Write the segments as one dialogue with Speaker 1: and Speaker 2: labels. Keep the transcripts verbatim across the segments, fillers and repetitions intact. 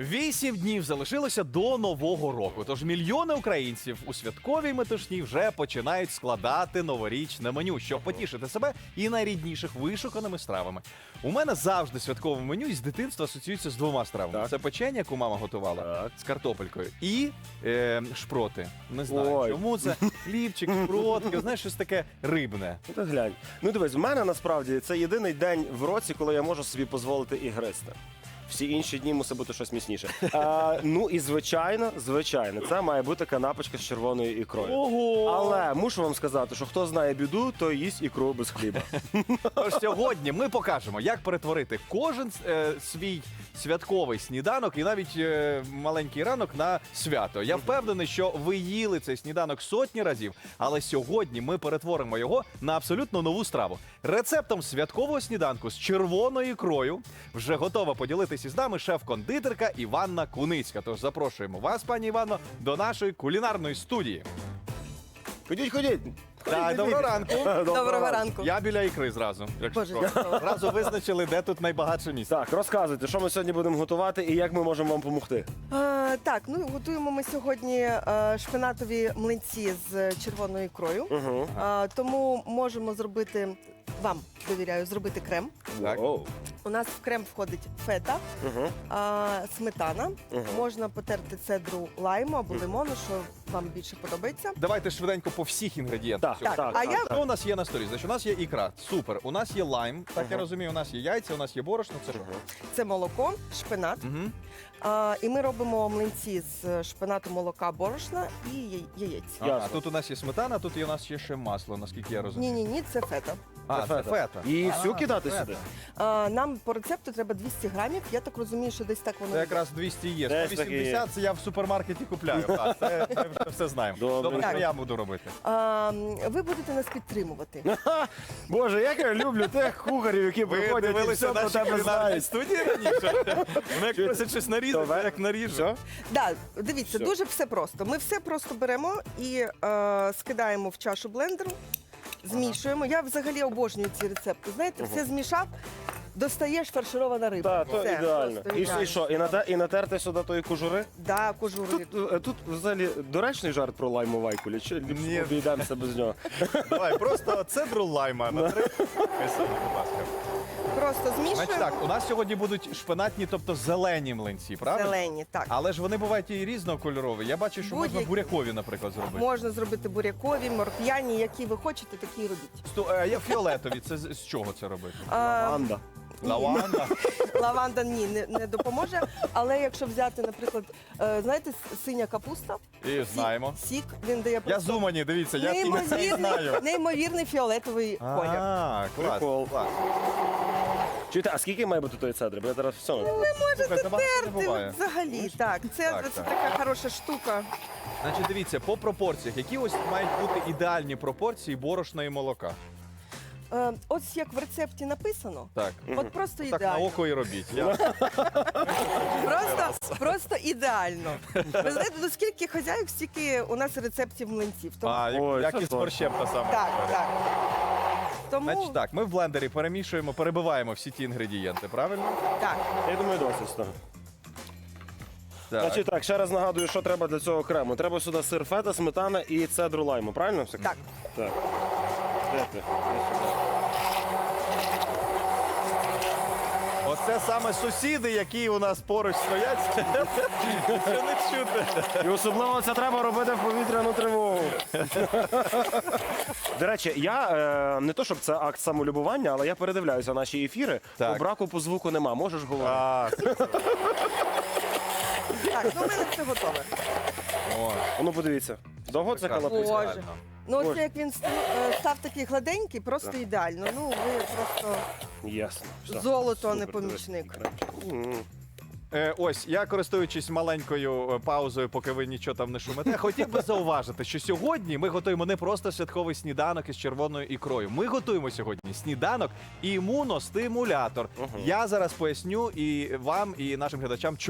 Speaker 1: Вісім днів залишилося до Нового року, тож мільйони українців у святковій метушні вже починають складати новорічне меню, щоб потішити себе і найрідніших вишуканими стравами. У мене завжди святкове меню із дитинства асоціюється з двома стравами.
Speaker 2: Так.
Speaker 1: Це печення, яку мама готувала,
Speaker 2: Так.
Speaker 1: з картопелькою, і е, шпроти. Не знаю,
Speaker 2: Ой.
Speaker 1: чому це хлібчик, шпротки, знаєш, щось таке рибне.
Speaker 2: Ну ти глянь. Ну дивись, в мене насправді це єдиний день в році, коли я можу собі дозволити і гристи. Всі інші дні мусить бути щось міцніше. А, ну і звичайно, звичайно, це має бути канапочка з червоною ікрою.
Speaker 1: Ого!
Speaker 2: Але мушу вам сказати, що хто знає біду, той їсть ікру без хліба.
Speaker 1: Тож сьогодні ми покажемо, як перетворити кожен е, свій святковий сніданок і навіть е, маленький ранок на свято. Я впевнений, що ви їли цей сніданок сотні разів, але сьогодні ми перетворимо його на абсолютно нову страву. Рецептом святкового сніданку з червоною ікрою вже готова поділитися з нами шеф-кондитерка Іванна Куницька. Тож запрошуємо вас, пані Іванно, до нашої кулінарної студії.
Speaker 2: Ходіть, ходіть.
Speaker 1: Так, доброго ранку.
Speaker 3: Доброго ранку.
Speaker 1: Я біля ікри зразу. якщо
Speaker 3: Боже,
Speaker 1: що.
Speaker 3: дякую.
Speaker 1: Зразу визначили, де тут найбагатше місце.
Speaker 2: Так, розказуйте, що ми сьогодні будемо готувати і як ми можемо вам допомогти.
Speaker 3: Е, так, ну готуємо ми сьогодні е, шпинатові млинці з червоною ікрою.
Speaker 2: Угу.
Speaker 3: Е, тому можемо зробити, вам довіряю, зробити крем.
Speaker 1: Так.
Speaker 2: Оу.
Speaker 3: У нас в крем входить фета,
Speaker 2: Угу.
Speaker 3: е, сметана.
Speaker 2: Мгм.
Speaker 3: Можна потерти цедру лайму або лимону, що вам більше подобається.
Speaker 1: Давайте швиденько по всіх інгредієнтах.
Speaker 2: Так,
Speaker 1: сьогодні.
Speaker 2: так,
Speaker 3: а
Speaker 2: так,
Speaker 3: я-
Speaker 2: так.
Speaker 1: Що у нас є на столі? Значить, у нас є ікра. Супер. У нас є лайм, так я
Speaker 2: Ага.
Speaker 1: розумію, у нас є яйця, у нас є борошно. Це що?
Speaker 3: Це молоко, шпинат.
Speaker 1: Угу.
Speaker 3: Е, і ми робимо млинці з шпинату, молока, борошна і яй- яєць.
Speaker 1: Ага,
Speaker 2: Ясно.
Speaker 1: тут у нас є сметана, тут і у нас є ще масло, наскільки я розумію.
Speaker 3: Ні-ні-ні, це фета.
Speaker 1: А, це фета.
Speaker 2: І
Speaker 1: А,
Speaker 2: всю кидати
Speaker 1: фета.
Speaker 2: сюди?
Speaker 3: Е, нам по рецепту треба двісті грамів. Я так розумію, що десь так воно
Speaker 1: Це
Speaker 3: йде.
Speaker 1: якраз двісті є.
Speaker 2: Десь
Speaker 1: сто
Speaker 2: таки є.
Speaker 1: вісімдесят це я в супермаркеті купляю. Так, це ми вже все знаємо.
Speaker 2: Добре.
Speaker 1: Добре, що
Speaker 3: Так.
Speaker 1: я буду робити.
Speaker 3: А, ви будете нас підтримувати.
Speaker 2: Боже, як я люблю тих кухарів, які приходять і все про тебе знають.
Speaker 1: студії раніше? Вони як просять щось нарізати,
Speaker 2: Давай.
Speaker 1: я як наріжу.
Speaker 2: Все?
Speaker 3: Да, дивіться,
Speaker 2: Все.
Speaker 3: дуже все просто. Ми все просто беремо і е, скидаємо в чашу блендеру, змішуємо. Я взагалі обожнюю ці рецепти. Знаєте, все змішав, достаєш фарширована риба.
Speaker 2: Так, то
Speaker 3: Все,
Speaker 2: ідеально.
Speaker 3: просто
Speaker 2: І,
Speaker 3: ідеально.
Speaker 2: і що, і, нате- і натерти сюди тої кожури?
Speaker 3: Да, кожуру.
Speaker 2: Тут, е, тут взагалі доречний жарт про лайму вайкулі, чи
Speaker 1: Ні.
Speaker 2: обійдемося без нього?
Speaker 1: Давай, просто цедру лайма на три. Хай будь ласка.
Speaker 3: Просто
Speaker 1: Значить
Speaker 3: змішуємо.
Speaker 1: так, у нас сьогодні будуть шпинатні, тобто зелені млинці, правильно?
Speaker 3: Зелені, так.
Speaker 1: Але ж вони бувають і різнокольорові. Я бачу, що можна
Speaker 3: Будь-які.
Speaker 1: бурякові, наприклад, зробити.
Speaker 3: Можна зробити бурякові, морквяні, які ви хочете, такі і робіть.
Speaker 1: Сто- е, Я фіолетові, це з з чого це робити?
Speaker 3: А,
Speaker 2: Анда.
Speaker 1: Лаванда.
Speaker 3: лаванда ні, не, не допоможе. Але якщо взяти, наприклад, е, знаєте, с- синя капуста,
Speaker 1: І знаємо.
Speaker 3: сік, він дає
Speaker 1: Я
Speaker 3: просто
Speaker 1: з Умані, дивіться, я і це і
Speaker 3: неймовірний,
Speaker 1: знаю.
Speaker 3: неймовірний фіолетовий колір.
Speaker 1: А, клас,
Speaker 2: Прикол.
Speaker 1: клас.
Speaker 2: Чуєте, а скільки має бути тої цедри? Бо я зараз все.
Speaker 1: Слухайте, багато не
Speaker 3: Ти
Speaker 1: буває.
Speaker 3: взагалі, так, це,
Speaker 1: Так,
Speaker 3: це
Speaker 1: так.
Speaker 3: така хороша штука.
Speaker 1: Значить, дивіться, по пропорціях, які ось мають бути ідеальні пропорції борошна і молока.
Speaker 3: Е, ось як в рецепті написано,
Speaker 1: Так.
Speaker 3: от просто
Speaker 1: Так на
Speaker 3: ідеально.
Speaker 1: око і робіть. Я...
Speaker 3: Просто, просто ідеально. Ви знаєте, ну скільки хазяїв, стільки у нас рецептів млинців. Тому,
Speaker 1: А, як,
Speaker 2: Ой,
Speaker 1: як
Speaker 2: це
Speaker 1: і з
Speaker 2: точно.
Speaker 1: борщем та сама.
Speaker 3: так,
Speaker 1: історія.
Speaker 3: так. Тому,
Speaker 1: Значить так, ми в блендері перемішуємо, перебиваємо всі ті інгредієнти, правильно?
Speaker 3: так.
Speaker 2: Я думаю, досить з того.
Speaker 1: Так.
Speaker 2: Значить так, ще раз нагадую, що треба для цього крему. Треба сюди сир фета, сметана і цедру лайму, правильно? все?
Speaker 3: Так.
Speaker 2: Так. Де ти? Де сюди.
Speaker 1: Оце саме сусіди, які у нас поруч стоять. Це не чути.
Speaker 2: І особливо це треба робити в повітряну тривогу. До речі, я е, не то, щоб це акт самолюбування, але я передивляюся наші ефіри.
Speaker 1: Так.
Speaker 2: По браку по звуку нема. Можеш говорити?
Speaker 1: А,
Speaker 3: Так, ну в мене все готове.
Speaker 1: о,
Speaker 2: Ну подивіться. Довго це
Speaker 1: прекрасно.
Speaker 2: халапусь?
Speaker 3: Боже. Ну,
Speaker 2: Боже.
Speaker 3: оце як він ст- е, став такий гладенький, просто ідеально. Ну, ви просто
Speaker 2: Ясно. Все.
Speaker 3: золото, а не
Speaker 2: Супер,
Speaker 3: помічник.
Speaker 2: М.
Speaker 1: Е, ось, я користуючись маленькою е, паузою, поки ви нічого там не шумите, хотів би зауважити, що сьогодні ми готуємо не просто святковий сніданок із червоною ікрою. Ми готуємо сьогодні сніданок імуностимулятор.
Speaker 2: Мгм.
Speaker 1: Я зараз поясню і вам, і нашим глядачам, чому.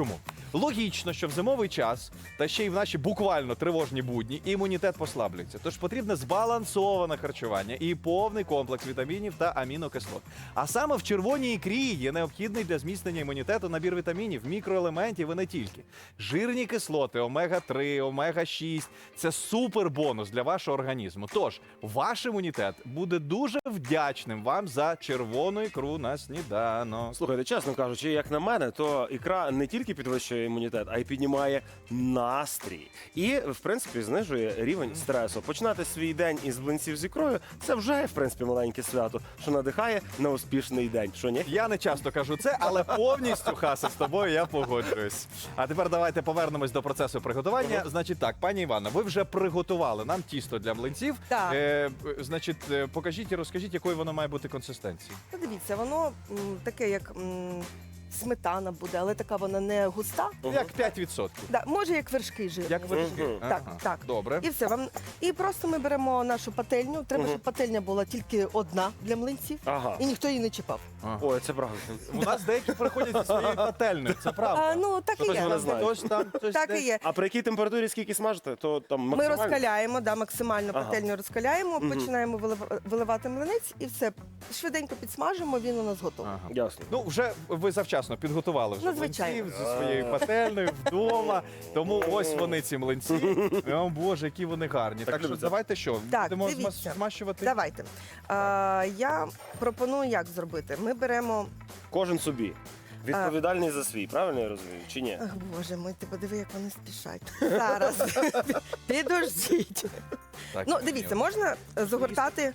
Speaker 1: Логічно, що в зимовий час, та ще й в наші буквально тривожні будні, імунітет послаблюється. Тож потрібне збалансоване харчування і повний комплекс вітамінів та амінокислот. А саме в червоній ікрі є необхідний для зміцнення імунітету набір вітамінів, мікроелементів і не тільки. Жирні кислоти, омега три, омега шість – це супер бонус для вашого організму. Тож, ваш імунітет буде дуже вдячним вам за червону ікру на сніданок.
Speaker 2: Слухайте, чесно кажучи, як на мене, то ікра не тільки підвищує імунітет, а й піднімає настрій. І, в принципі, знижує рівень стресу. Починати свій день із блинців з ікрою – це вже, в принципі, маленьке свято, що надихає на успішний день. Що, ні?
Speaker 1: Я не часто кажу це, але повністю, Хаса, з тобою я погоджуюсь. А тепер давайте повернемось до процесу приготування. Значить так, пані Івана, ви вже приготували нам тісто для млинців.
Speaker 3: Так.
Speaker 1: Е, значить, е, покажіть і розкажіть, якою воно має бути консистенції.
Speaker 3: Ну, дивіться, воно м, таке, як м, сметана буде, але така вона не густа.
Speaker 2: Мгм.
Speaker 1: Як п'ять відсотків.
Speaker 3: Да, може, як вершки жирні.
Speaker 1: Як вершки.
Speaker 2: Мгм.
Speaker 3: Так,
Speaker 1: Ага.
Speaker 3: так.
Speaker 1: Добре.
Speaker 3: І все вам. І просто ми беремо нашу пательню. Треба,
Speaker 2: Мгм.
Speaker 3: щоб пательня була тільки одна для млинців,
Speaker 2: Ага.
Speaker 3: і ніхто її не чіпав.
Speaker 1: Ага.
Speaker 2: Ой, це правда.
Speaker 1: У нас деякі приходять зі своєю пательнею, це правда.
Speaker 3: А, ну так і
Speaker 2: Хтось
Speaker 3: є.
Speaker 2: вона знає.
Speaker 1: Хтось там, хтось
Speaker 3: Так
Speaker 1: десь.
Speaker 3: і є.
Speaker 2: А при якій температурі скільки смажите, то там
Speaker 3: Ми
Speaker 2: максимально?
Speaker 3: розкаляємо, да, максимально
Speaker 2: Ага.
Speaker 3: пательню розкаляємо,
Speaker 2: Мгм.
Speaker 3: починаємо вилив- виливати млинець і все. Швиденько підсмажимо, він у нас готовий.
Speaker 1: Ага.
Speaker 2: Ясно.
Speaker 1: Ну, вже ви завчасно підготували вже
Speaker 3: Ну, звичайно.
Speaker 1: млинців зі своєю пательнею вдома. Тому ось вони ці млинці. О, Боже, які вони гарні. Так, що
Speaker 2: любиться.
Speaker 1: давайте що,
Speaker 3: Так,
Speaker 1: будемо
Speaker 3: дивіться.
Speaker 1: зма- змащувати?
Speaker 3: Давайте. А, я пропоную як зробити. Ми беремо.
Speaker 2: Кожен собі. Відповідальний за свій, правильно я розумію? Чи ні?
Speaker 3: Ах, Боже мой, ти подиви, як вони спішать. Зараз. Підождіть.
Speaker 1: Так,
Speaker 3: Ну,
Speaker 1: ні.
Speaker 3: дивіться, можна загортати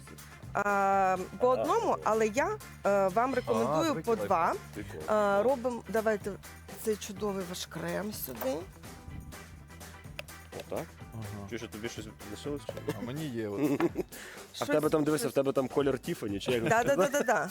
Speaker 3: а, по одному, але я е, вам рекомендую
Speaker 1: А,
Speaker 3: по
Speaker 1: прикольно.
Speaker 3: два.
Speaker 2: Прикол.
Speaker 3: А, робимо, давайте цей чудовий ваш крем сюди.
Speaker 2: Отак?
Speaker 1: Ага.
Speaker 2: Чи що тобі щось лишилось? чи ні?
Speaker 1: А мені є. От.
Speaker 2: А в тебе там, дивися, в тебе там колір Тіфані, чи як?
Speaker 3: Да, да, да, да, да.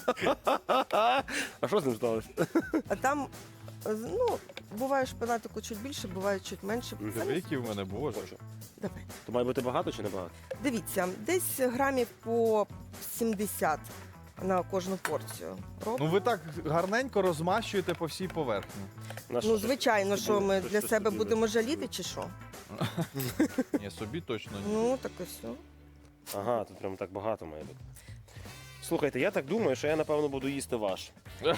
Speaker 2: А що з ним сталося?
Speaker 3: А там, е, ну, буває шпинатику чуть більше, буває чуть менше.
Speaker 2: Мгм.
Speaker 3: Самі-
Speaker 1: Диви, які в мене, Боже.
Speaker 3: Давай.
Speaker 2: То має бути багато чи не багато?
Speaker 3: Дивіться, десь грамів по сімдесят на кожну порцію. Роб-
Speaker 1: Ну ви так гарненько розмащуєте по всій поверхні.
Speaker 2: На
Speaker 3: Ну, звичайно, що ми
Speaker 2: Щось-
Speaker 3: для
Speaker 2: щось
Speaker 3: себе
Speaker 2: тобі
Speaker 3: будемо жаліти, чи що?
Speaker 1: Ні, собі точно ні.
Speaker 3: Ну, так і все.
Speaker 2: Ага, тут прям так багато має бути. Слухайте, я так думаю, що я напевно буду їсти ваш.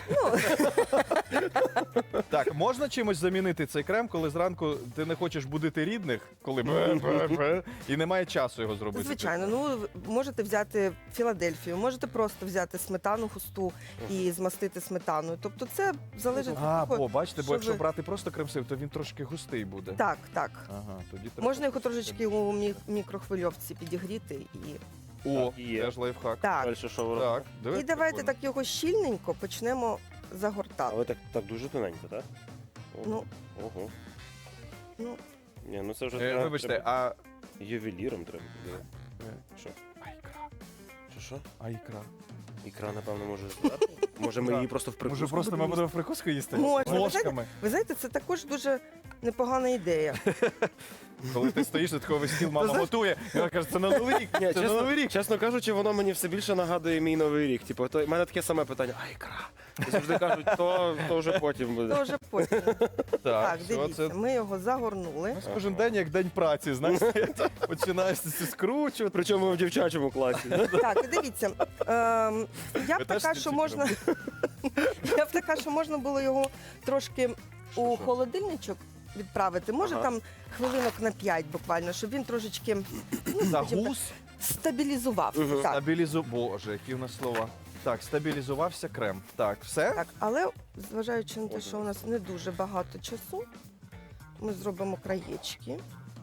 Speaker 1: Так, можна чимось замінити цей крем, коли зранку ти не хочеш будити рідних, коли бе-бе-бе, і немає часу його зробити.
Speaker 3: Звичайно, ну ви можете взяти Філадельфію, можете просто взяти сметану густу і змастити сметаною. Тобто це залежить
Speaker 1: А,
Speaker 3: від того.
Speaker 1: бо бачите,
Speaker 3: що
Speaker 1: бо якщо
Speaker 3: ви-
Speaker 1: брати просто крем-сив, то він трошки густий буде.
Speaker 3: Так, так.
Speaker 1: Ага, тоді треба.
Speaker 3: Можна його трошечки у мі- мікрохвильовці підігріти і.
Speaker 1: О,
Speaker 2: Так, є.
Speaker 1: теж лайфхак.
Speaker 3: Так.
Speaker 2: Далі що ви
Speaker 1: Так,
Speaker 2: робите?
Speaker 1: диви,
Speaker 3: І давайте
Speaker 1: прикольно.
Speaker 3: так його щільненько почнемо
Speaker 2: А
Speaker 3: загортати.
Speaker 2: ви так, так дуже тоненько, так? О,
Speaker 3: Ну.
Speaker 2: Ого.
Speaker 3: Ну,
Speaker 2: Ні, ну це вже
Speaker 1: Е,
Speaker 2: треба-
Speaker 1: Вибачте,
Speaker 2: треба-
Speaker 1: а.
Speaker 2: ювеліром треба буде. Що?
Speaker 1: А ікра.
Speaker 2: Що що?
Speaker 1: А ікра.
Speaker 2: Ікра, напевно, може зверху? Може ми
Speaker 1: Так.
Speaker 2: її просто в прикуску
Speaker 1: Може, просто ми
Speaker 2: будемо
Speaker 1: будемо в прикуску їсти?
Speaker 3: Можна, ви
Speaker 1: Ложками.
Speaker 3: ви знаєте, це також дуже непогана ідея.
Speaker 1: Коли ти стоїш, за такого стіл мама
Speaker 3: знаєш-
Speaker 1: готує, і вона каже, це на новий рік,
Speaker 2: Ні,
Speaker 1: це на новий рік.
Speaker 2: чесно кажучи, воно мені все більше нагадує мій новий рік. Типу, то в мене таке саме питання: а ікра? І завжди кажуть, то, то вже потім буде.
Speaker 3: То вже потім. Так,
Speaker 1: все,
Speaker 3: дивіться,
Speaker 1: це
Speaker 3: ми його загорнули.
Speaker 1: у нас кожен день як день праці, знаєш, починаєш це скручувати.
Speaker 2: Причому в дівчачому класі.
Speaker 3: Так, і дивіться. ем, Я
Speaker 1: Ви
Speaker 3: б
Speaker 1: теж
Speaker 3: така,
Speaker 1: ці
Speaker 3: що
Speaker 1: ці
Speaker 3: можна. Я б така, що можна було його трошки у
Speaker 1: що?
Speaker 3: холодильничок відправити. Може
Speaker 2: Ага.
Speaker 3: там хвилинок на п'ять буквально, щоб він трошечки ну, скажімо так,
Speaker 1: Загус,
Speaker 3: стабілізувався.
Speaker 2: Мгм.
Speaker 3: Так,
Speaker 1: стабілізу... Боже, які в нас слова. Так, стабілізувався крем. Так, все?
Speaker 3: так, але зважаючи на те, що у нас не дуже багато часу, ми зробимо краєчки.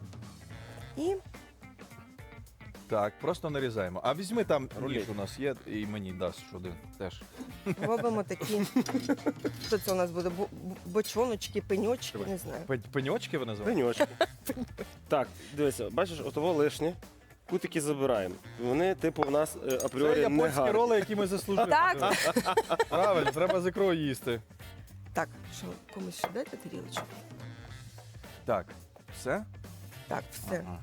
Speaker 3: І
Speaker 1: Так, просто нарізаємо. А візьми там
Speaker 2: Рулет.
Speaker 1: ніж у нас є, і мені дасть один теж.
Speaker 3: робимо такі. Що це у нас буде? Бо- бо- Бочоночки, пеньочки, не знаю.
Speaker 1: Пень- Пеньочки ви називаєте?
Speaker 2: Пеньочки. Так, дивися, бачиш, отого лишнє. Кутики забираємо. Вони, типу, в нас е,
Speaker 1: Це
Speaker 2: апріорі не
Speaker 1: японські
Speaker 2: гарні.
Speaker 1: роли, які ми заслужили.
Speaker 3: Так.
Speaker 1: Правильно, треба з ікрою їсти.
Speaker 3: Так, що комусь ще дайте тарілочку?
Speaker 1: Так, все?
Speaker 3: Так, все.
Speaker 1: Ага.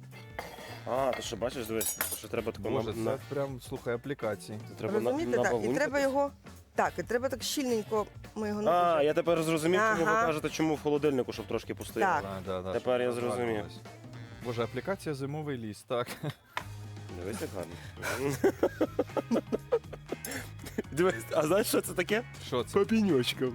Speaker 2: А, то що, бачиш, дивись, то що треба тако
Speaker 1: Боже,
Speaker 2: на,
Speaker 1: це прям, слухай, аплікації.
Speaker 2: це треба на,
Speaker 3: Розумієте, так, і
Speaker 2: набалункати.
Speaker 3: треба його. Так, і треба так щільненько ми його не
Speaker 2: А,
Speaker 3: дуже.
Speaker 2: я тепер зрозумів, чому ви
Speaker 3: Ага.
Speaker 2: кажете, чому в холодильнику, щоб трошки постояти.
Speaker 3: Так.
Speaker 1: Да, да, да,
Speaker 2: Тепер я
Speaker 1: щоб
Speaker 2: зрозумів.
Speaker 1: розрадувалась. Боже, аплікація зимовий ліс, так.
Speaker 2: Дивись, як гарно. Дивись, а знаєш, що це таке?
Speaker 1: Що це?
Speaker 2: Папіньочка.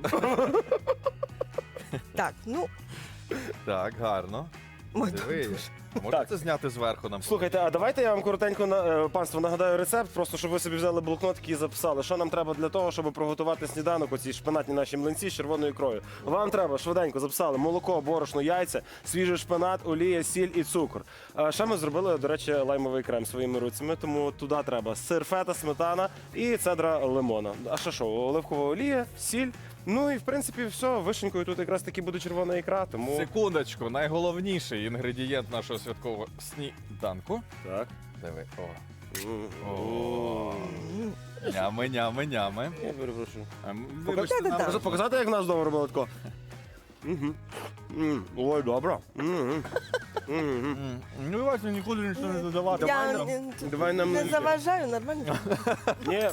Speaker 3: Так, ну,
Speaker 1: Так, гарно.
Speaker 3: ой,
Speaker 1: Диви.
Speaker 3: дуже.
Speaker 1: Можете
Speaker 2: Так.
Speaker 1: це зняти зверху нам?
Speaker 2: Слухайте, а давайте я вам коротенько на е, панство нагадаю рецепт, просто щоб ви собі взяли блокнотики і записали, що нам треба для того, щоб приготувати сніданок, оці шпинатні наші млинці з червоною ікрою. Вам треба швиденько записали молоко, борошно, яйця, свіжий шпинат, олія, сіль і цукор. А ще ми зробили, до речі, лаймовий крем своїми руцями, тому туди треба сир, фета, сметана і цедра лимона. А що що, оливкова олія, сіль. Ну і в принципі все, вишенькою тут якраз таки буде червона ікра, тому
Speaker 1: Секундочку, найголовніший інгредієнт нашого святкового сніданку.
Speaker 2: так.
Speaker 1: Диви, о.
Speaker 2: М.
Speaker 1: О. Нями, нями, нями.
Speaker 2: Я перепрошую.
Speaker 1: Ем,
Speaker 2: Покажи,
Speaker 1: вибачте, нам-
Speaker 3: Да-да-да.
Speaker 2: Може показати, як нас вдома робили тако? Мгм. М, Ой, добре. Мгм. Мгм.
Speaker 1: М, Ну, давайте нікуди нічого не додавати.
Speaker 3: Я
Speaker 1: Давай
Speaker 3: не,
Speaker 1: нам.
Speaker 2: Давай нам
Speaker 3: не
Speaker 2: млинці.
Speaker 3: заважаю, нормально.
Speaker 2: Ні.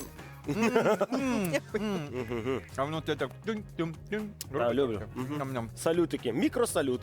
Speaker 1: А воно те так тюнь-тюнь-тюнь.
Speaker 2: Так, люблю. Мгм.
Speaker 1: Ням-ням.
Speaker 2: Салютики. Мікросалют.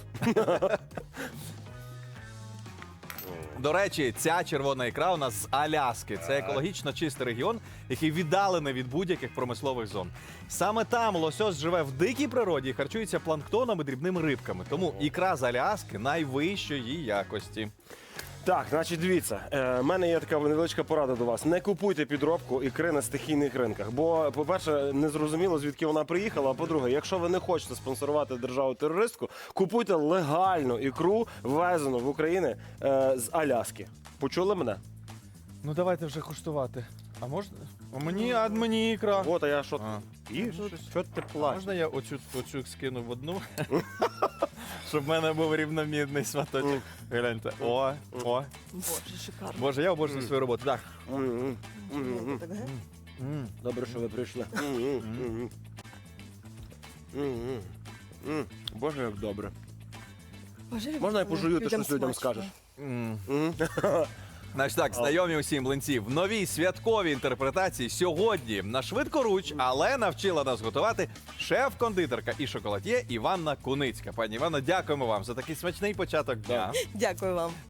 Speaker 1: До речі, ця червона ікра у нас з Аляски. Це екологічно чистий регіон, який віддалений від будь-яких промислових зон. Саме там лосось живе в дикій природі і харчується планктоном і дрібними рибками. Тому ікра з Аляски найвищої якості.
Speaker 2: Так, значить, дивіться, е, в мене є така невеличка порада до вас. Не купуйте підробку ікри на стихійних ринках. Бо, по-перше, не зрозуміло, звідки вона приїхала. А по-друге, якщо ви не хочете спонсорувати державу-терористку, купуйте легальну ікру, ввезену в Україну е, з Аляски. Почули мене?
Speaker 1: Ну давайте вже куштувати. А можна? А мені, а мені ікра.
Speaker 2: От, а я що?
Speaker 1: А.
Speaker 2: І що ти плачеш?
Speaker 1: Можна я оцю, оцю скину в одну? Щоб в мене був рівномірний сматочок. Гляньте. О, о.
Speaker 3: Боже, шикарно.
Speaker 1: Боже, я обожнюю свою роботу. Так.
Speaker 2: М, м, м, м.
Speaker 3: Так, ге?
Speaker 1: М.
Speaker 2: Добре, що ви прийшли. М, м, м, м. М, м. М, Боже, як добре.
Speaker 3: Боже,
Speaker 2: Можна я пожую, ти
Speaker 3: людям
Speaker 2: щось людям
Speaker 3: смачно.
Speaker 2: скажеш?
Speaker 1: М.
Speaker 2: М.
Speaker 1: Значить так, знайомі усі млинці в новій святковій інтерпретації сьогодні на швидкоруч, але навчила нас готувати шеф-кондитерка і шоколад'є Іванна Куницька. Пані Іванна, дякуємо вам за такий смачний початок дня.
Speaker 3: Дякую вам.